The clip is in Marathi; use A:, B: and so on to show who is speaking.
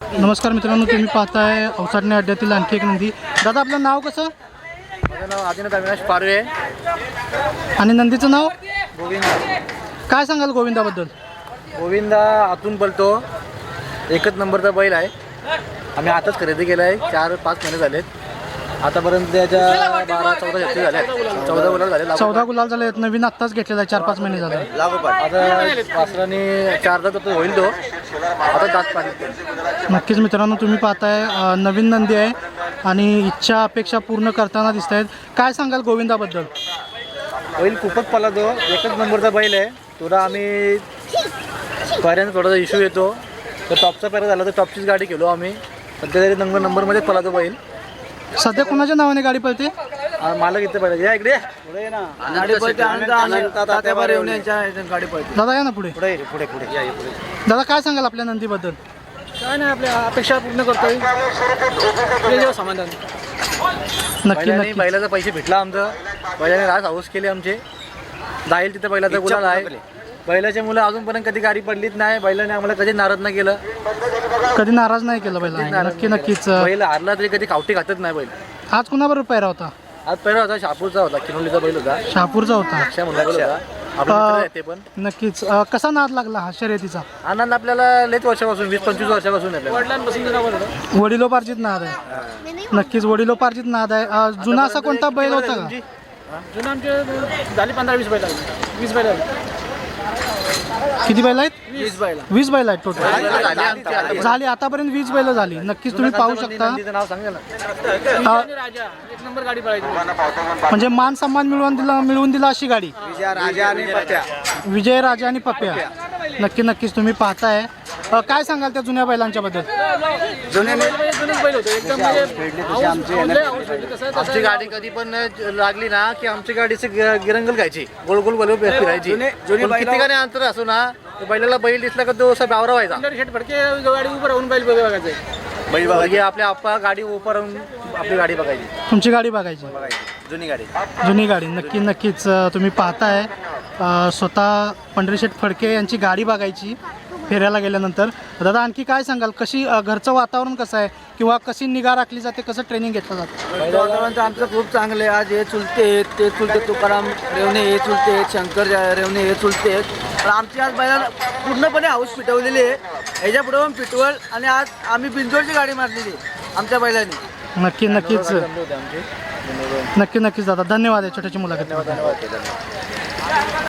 A: नमस्कार मित्रांनो, तुम्ही पाहताय अवसाडणे अड्ड्यातील आणखी एक नंदी. दादा आपलं नाव कसं?
B: माझं नाव आदिनाथ अविनाश पारवे
A: आणि नंदीचं नाव
B: गोविंद.
A: काय सांगाल गोविंदाबद्दल?
B: गोविंदा आतून बोलतो, एकच नंबरचा बैल आहे. आम्ही आताच खरेदी केला आहे, 4-5 महिने झालेत. आतापर्यंत त्याच्या 12-14 जाती झाल्या, 14 गुलाल झाले.
A: 14 गुलाल झाले आहेत. नवीन आत्ताच घेतलेला आहे, 4-5 महिने झाले.
B: आता वासराने 4 दात होईल तो, आता दात पाणी.
A: नक्कीच मित्रांनो, तुम्ही पाहताय नवीन नंदी आहे आणि इच्छा अपेक्षा पूर्ण करताना दिसत आहेत. काय सांगाल गोविंदाबद्दल?
B: बैल खूपच पळतो, एकच नंबरचा बैल आहे. थोडा आम्ही पर्यंत थोडासा इश्यू येतो, तर टॉपचा पेरा झाला तर टॉपचीच गाडी केलो आम्ही. सध्या तरी नंबरमध्येच पळतो बैल.
A: सध्या कोणाच्या नावाने गाडी पळते?
B: मालक इथे पाहिजे, या इकडे पुढे ना. गाडी पळते गाडी पळते.
A: दादा या ना पुढे.
B: पुढे पुढे पुढे या पुढे.
A: दादा काय सांगाल आपल्या नंदीबद्दल?
B: काय नाही, आपल्या अपेक्षा पूर्ण करतोय. समाधान.
A: नक्की नक्की.
B: बैलाचा पैसे भेटला आमचं, बैलाने रास हाऊस केले आमचे. जाईल तिथे बैलाचा गुलाल आहे. बैलाच्या मुलं अजूनपर्यंत कधी गाडी पडलीच नाही. बैलाने आम्हाला कधी नाराज नाही केलं,
A: कधी नाराज नाही केलं बैला. नक्की नक्कीच.
B: बैल हारला तरी कधी कावटी खातच नाही बैल.
A: आज कुणाबरोबर पैरा होता?
B: आज पहिला होता शापूरचा होता, किनोलीचा बैल होता.
A: शहापूरचा होता.
B: अक्षा म्हणला बैल होता. आपला मित्र आहे ते पण.
A: नक्कीच. कसा नाद लागला हा शर्यतीचा?
B: आनंद आपल्याला लयच वर्षापासून, 20-25 वर्षापासून आहे. वडिलांपासून
A: वडिलोपार्जित नाद आहे. नक्कीच वडिलोपार्जित नाद आहे. जुना असा कोणता बैल होता का?
B: जुना आमचे झाली 15-20 बैल, 20 बैल.
A: किती बैल आहेत?
B: 20
A: बैल आहेत टोटल. झाली आतापर्यंत 20 बैल झाली. नक्कीच तुम्ही पाहू शकता.
B: नाव सांगा ना.
C: राजा एक नंबर गाडी पळायची.
A: म्हणजे मान सन्मान मिळवून दिला अशी गाडी. विजय राजा आणि पप्प्या. नक्कीच तुम्ही पाहताय. काय सांगाल त्या जुन्या बैलांच्या बद्दल?
C: बैल होते एकदम,
B: आमची गाडी कधी पण लागली ना की आमची गाडीची गिरंगल घ्यायची, गोल गोल गोल फिरायची. किती गाडी अंतर असो ना, बैलाला बैल दिसला का तो असा बावरा व्हायचा.
C: शेट फडके गाडी उभं राहून बैल बघायचं.
B: बैल बघायची, आपल्या आप्पा गाडी उभं राहून आपली गाडी बघायची.
A: तुमची गाडी बघायची.
B: जुनी गाडी.
A: नक्कीच तुम्ही पाहताय. स्वतः पंढरीशेठ फडके यांची गाडी बघायची फेऱ्याला गेल्यानंतर. दादा आणखी काय सांगाल? कशी घरचं वातावरण कसं आहे, किंवा कशी निगा राखली जाते, कसं ट्रेनिंग घेतलं जातं?
C: वातावरण तर आमचं खूप चांगलं आहे. आज हे चुलते आहेत, ते चुलते तुकाराम रेवणे, हे चुलते आहेत, शंकर रेवणे, हे चुलते आहेत. पण आमची आज बैलाला पूर्णपणे हाऊस पिटवलेली आहे. ह्याच्या पुढे पण पिटवल. आणि आज आम्ही बिंजोडची गाडी मारलेली आमच्या बैलांनी.
A: नक्कीच दादा, धन्यवाद आहे छोट्याची मुलाखत.